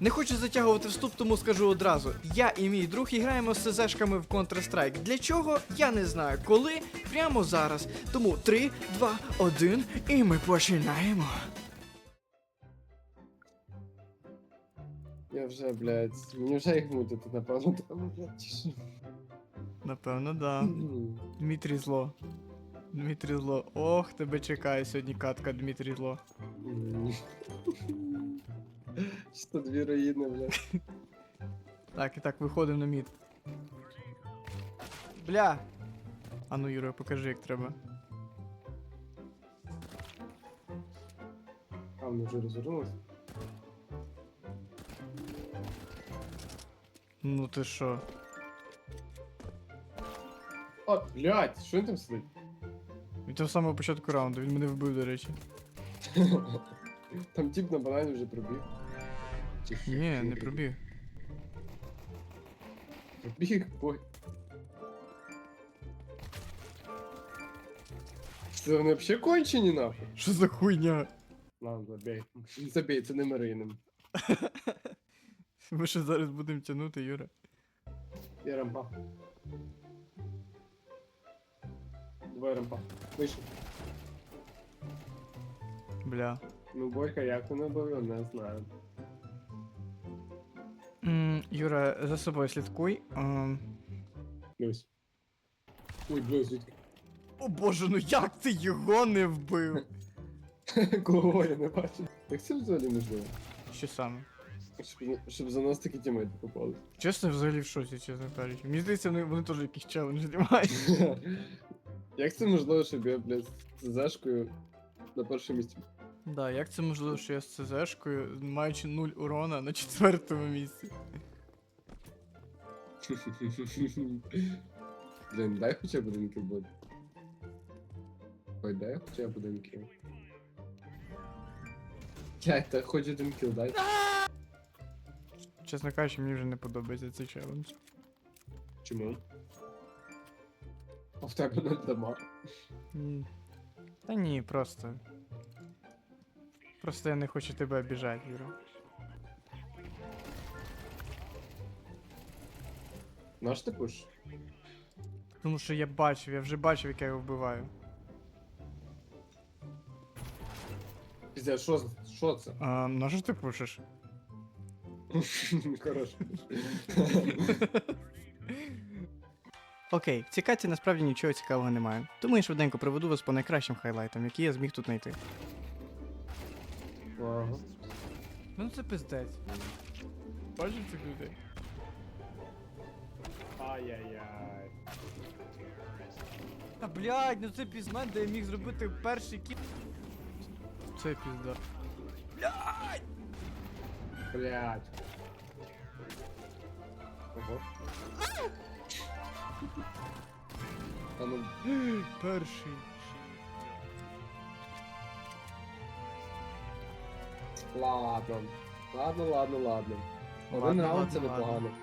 Не хочу затягувати вступ, тому скажу одразу. Я і мій друг граємо з СЗшками в Counter-Strike. Для чого? Я не знаю. Коли? Прямо зараз. Тому 3, 2, 1 і ми починаємо. Я вже, блядь, мені вже їх мутити, напевно, треба, блядь, чи що? Напевно, да. Дмитрій Зло. Дмитрій Зло. Ох, тебе чекає сьогодні катка, Дмитрій Зло. Що дві руїни, блядь. Так, і так, виходимо на мід. Бля! А ну, Юра, покажи, як треба. А, ми вже розвернулися? Ну ти що? О, блядь, що він там сидить? Від того самого початку раунду, він мене вбив, до речі. Там тип на банані вже пробіг. Ні, не пробіг. Пробіг, бой. Це вони взагалі кончені, нахуй? Що за хуйня? Ладно, забей. Забей, це не Мариним. Ми що зараз будемо тягнути, Юра? Я рампа. Давай рампа. Вийшов. Бля. Ну, Борька, як вони були, не знаю. Юра, за собою слідкуй. Дивись. Ой, блядь, звідки? О боже, ну як ти його не вбив? Кого я не бачу. Так це взагалі можливо. Що саме? Щоб за нас такі тімейти попали. Чесно, взагалі в шоці, чесно кажучи. Мені здається, вони теж якийсь челендж знімають. Як це можливо, щоб я, блядь, з зашкою на першому місці? Да, як це можливо, що я з ЦЗшкою, маючи 0 урона на 4-му місці? Блін, дай хоча б один кіл буде. Ой, дай хоча б один кіл. Блядь, та хоч один кіл дай. Чесно кажучи, мені вже не подобається цей челендж. Чому? А в тебе не дамаг. Та ні, просто. Просто я не хочу тебе обіжати, Юра. Наш ти пуш? Тому що я вже бачив, як я його вбиваю. Піздя, що це? На що ти пушиш? Хорош. Окей, в цій каті насправді нічого цікавого немає. Тому я швиденько проведу вас по найкращим хайлайтам, які я зміг тут знайти. Ага. Ну це пиздець. Бачиш цих людей? Ай-яй-яй. Та блядь, ну це пізмен, де я міг зробити перший кіл. Це пізда. Блядь. Ого. А ну, Перший. ладно. Ладно. Один Ладно, раунд це ладно, непогано.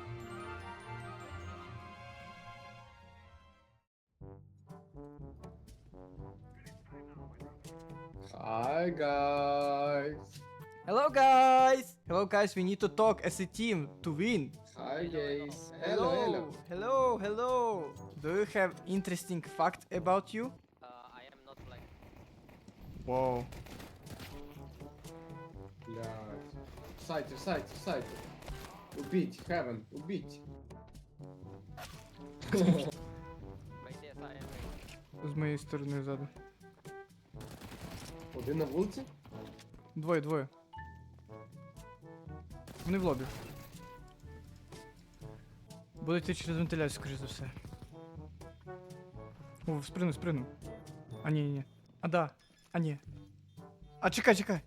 Hi guys. Hello guys! Hello guys, we need to talk as a team to win. Hi guys. Hello. Hello. Do you have interesting fact about you? I am not like. Wow. Блядь. В сайті. Убить, Heaven, убить. Wait, yes, I am ready. З моєї сторони ззаду. Один на вулиці? Двоє. Вони в лобі. Будуть йти через вентиляцію, скоріше за все. О, спригну. А ні. А да. А ні. А чекай.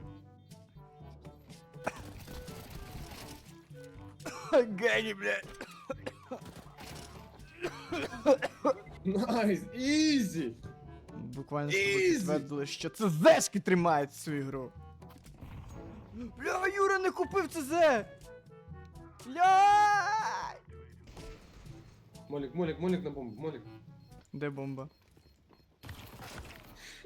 Гені, блядь. Найс, ізі! Буквально Easy! підтвердили, що це зешки тримають цю ігру. Бля, Юра не купив ЦЗ! Бля! Молік на бомбу, молік. Де бомба?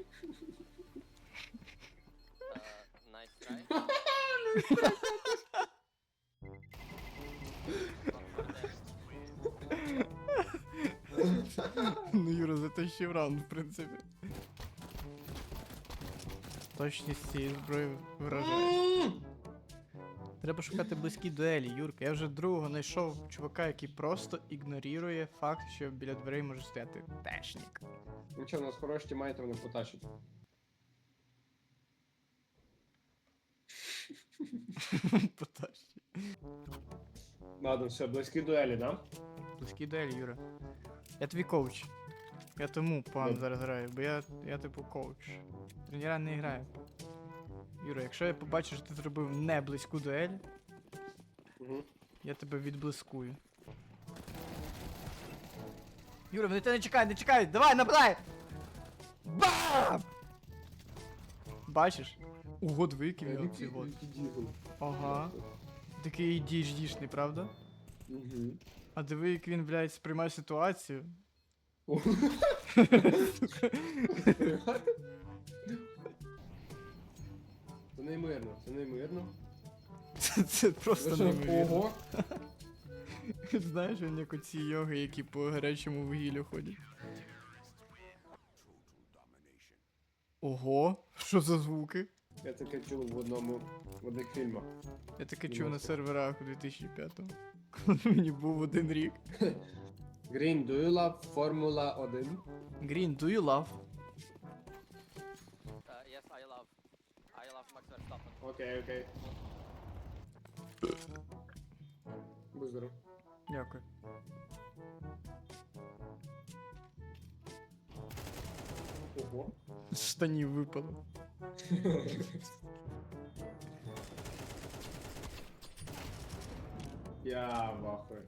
Nice try. Найкращий раунд, в принципі. Точність цієї зброї вражає. Треба шукати близькі дуелі, Юрка. Я вже другого знайшов чувака, який просто ігнорує факт, що біля дверей може стояти тешнік. Нічого, у нас хороші тімейти, вони потащать. Потащі. Ладно, все, близькі дуелі, да? Близькі дуелі, Юра. Я твій коуч. Я тому погано Добре. зараз граю, бо я типу коуч. Тренера не грає. Юра, якщо я побачу, що ти зробив не близьку дуель, Угу. я тебе відблискую. Юра, вони тебе не чекають, давай, нападай! Бам! Бачиш? Ого, двійки в ці вот. Ага. Такий діждішний, правда? Угу. А диви, як він, блядь, сприймає ситуацію. Це неймовірно, це неймовірно. Це просто неймовірно. Ого! Знаєш, він як оці йоги, які по гарячому вугіллю ходять. Ого, що за звуки? Я таке чув в одних фільмах. Я таке чув на серверах у 2005-му. Коли мені був 1 рік. Green, do you love Формула 1? Green, do you love? Yes, I love Max Verstappen. Окей, окей. Будь здоров. Дякую. Ого. З штанів випало. Я в ахуї.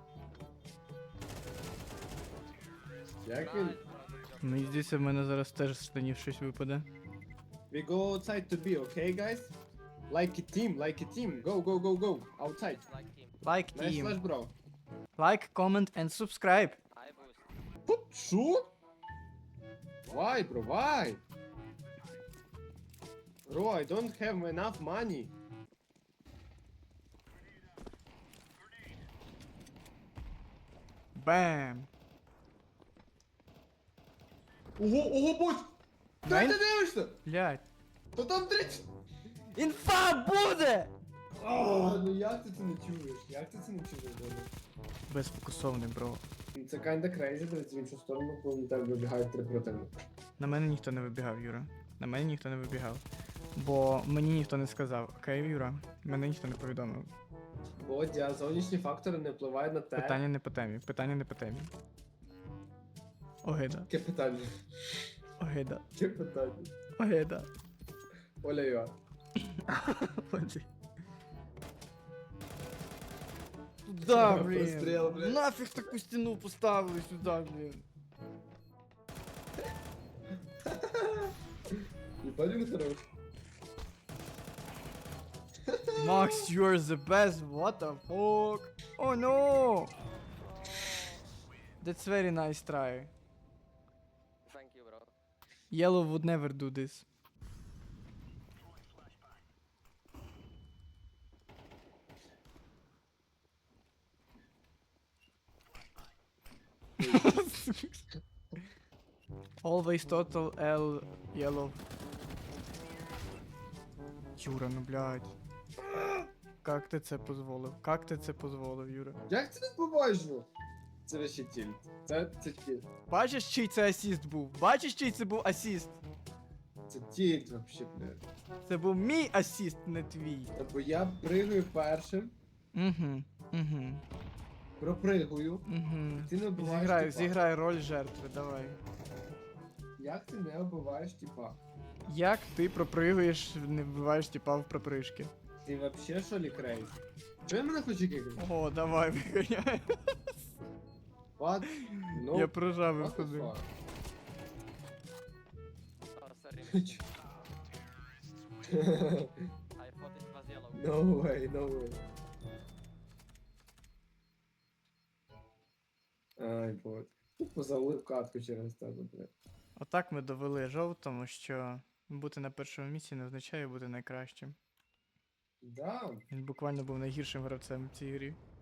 Як він? Nice, brother. Мені здається, в мене зараз теж з штанів щось випаде. We go outside to be, okay, guys? Like a team, like a team. Go, go, go, go. Outside. Like him. Like Nice flash, team. bro. Like, comment and subscribe. I boost. Що? Why, bro? Why? Bro, I don't have enough money. Бам! Ого, ого, будь! Де Майн? ти дивишся? Блядь. То там 30! Інфа буде! Ну як ти це не чуєш? Як ти це не чуєш, Боже? Безфокусований, бро. Це kinda crazy, дивиться в іншу сторону, коли на тебе вибігають 3 противника. На мене ніхто не вибігав, Юра. На мене ніхто не вибігав. Бо мені ніхто не сказав. Окей, Юра? Мене ніхто не повідомив. Бодя, зовнішні фактори не впливають на те. Питання не по темі. Питання не по темі. Огида. Яке питання? Огида. Яке питання? Огида. Оля Йоа. Туда, блін. Простріл, блін. Нафіг таку стіну поставили сюди, блін. Ебать, він хорош. Max, you're the best. What the fuck? Oh no! That's very nice try. Thank you, bro. Yellow would never do this. Always total L yellow. Юра, ну блядь. Как ти це позволив? Как ти це позволив, Юра? Як це відбуваєшно? Це вообще тільт. Це тільт. Бачиш, чий це асіст був? Бачиш, чий це був асіст? Це тільт вообще, блядь. Це був мій асіст, не твій. Бо я пригаю першим, Угу. пропригую, Угу. ти не вбиваєш Зіграй, тіпа. зіграй роль жертви, давай. Як ти не вбиваєш типа? Як ти пропригуєш, не вбиваєш тіпа в пропришки? Ти вообще що ли крейз? Чого він мене хоче кикати? О, давай, виганяй. What? No. Я прожав і What the входив. fuck? Oh, sorry. I thought it was yellow. No way, no way. Ай, бот. Тупо залив катку через тебе, блядь. Отак ми довели жовтому, що бути на першому місці не означає бути найкращим. Да, Він буквально був найгіршим гравцем в цій грі.